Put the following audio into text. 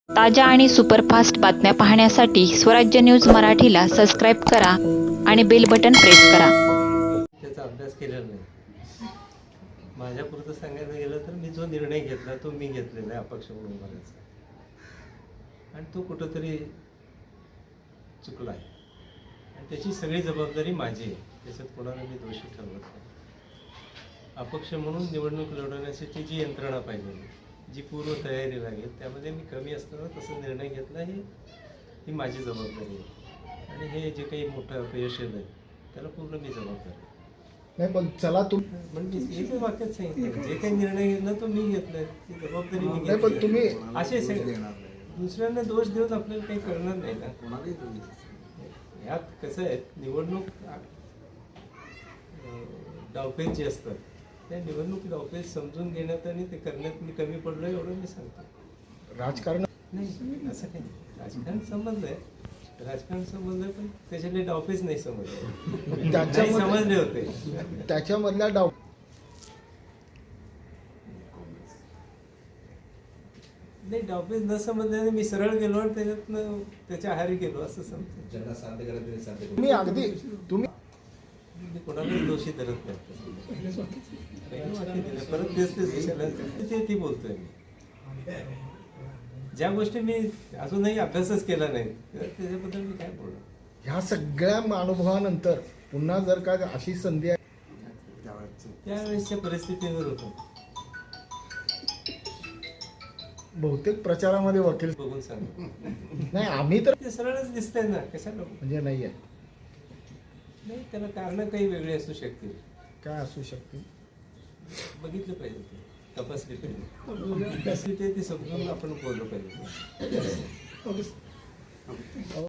ताज्या आणि सुपरफास्ट बातम्या पाहण्यासाठी स्वराज्य न्यूज मराठीला सबस्क्राईब करा आणि बेल बटन प्रेस करा. त्याचा अभ्यास केलेला नाही. माझ्यापुरतं सांगायचं गेलं तर मी जो निर्णय घेतला तो मी घेतलेला आहे अपक्ष म्हणून बरायचा, आणि तो कुठंतरी चुकला आहे आणि त्याची सगळी जबाबदारी माझी आहे. त्याच्यात कोणाला मी दोषी ठरवत नाही. अपक्ष म्हणून निवडणूक लढवण्यासाठी जी यंत्रणा पाहिजे, जी पूर्व तयारी लागेल, त्यामध्ये मी कमी असताना तसा निर्णय घेतला, ही माझी जबाबदारी आहे. आणि हे जे काही मोठं अपयश आहे त्याला पूर्ण मी जबाबदार आहे. नाही पण चला म्हणजे एकच वाक्यात सांगितलं, जे काही निर्णय घेतला तो मी घेतलाय, ती जबाबदारी मी नाही पण तुम्ही असे दुसऱ्यांना दोष देऊन आपल्याला काही करणार नाही ना. यात कसं आहे, निवडणूक डावपेच जे असतात त्या निवडणूक डावपेच समजून घेण्यात आणि ते करण्यात मी कमी पडलो एवढं मी सांगतो. राजकारण नाही असं काही नाही. राजकारण समजलं आहे, राजकारण समजलं, पण त्याच्यातले डावपेच नाही समजले. नाही समजले होते त्याच्यामधल्या डाव नाही, डावपेच न समजल्याने मी सरळ गेलो आणि त्याच्यातनं त्याच्या आहारी गेलो असं समजतो. तुम्ही अगदी तुम्ही मी कोणालाच दोषी धरत नाही. परत तेच विषयाला ती बोलतोय मी. ज्या गोष्टी मी अजूनही अभ्यासच केला नाही त्याच्याबद्दल मी काय बोलणार. ह्या सगळ्या अनुभवानंतर पुन्हा जर का अशी संधी आहे, त्यावेळेसच्या परिस्थितीवर होतो. बहुतेक प्रचारामध्ये वकील बघून सांग. नाही आम्ही तर ते सरळच दिसतंय ना, कशाला म्हणजे नाही आहे. नाही, त्याला कारण काही वेगळी असू शकतील. काय असू शकते बघितलं पाहिजे, ते तपासली पाहिजे. ते समजून आपण बोललो पाहिजे.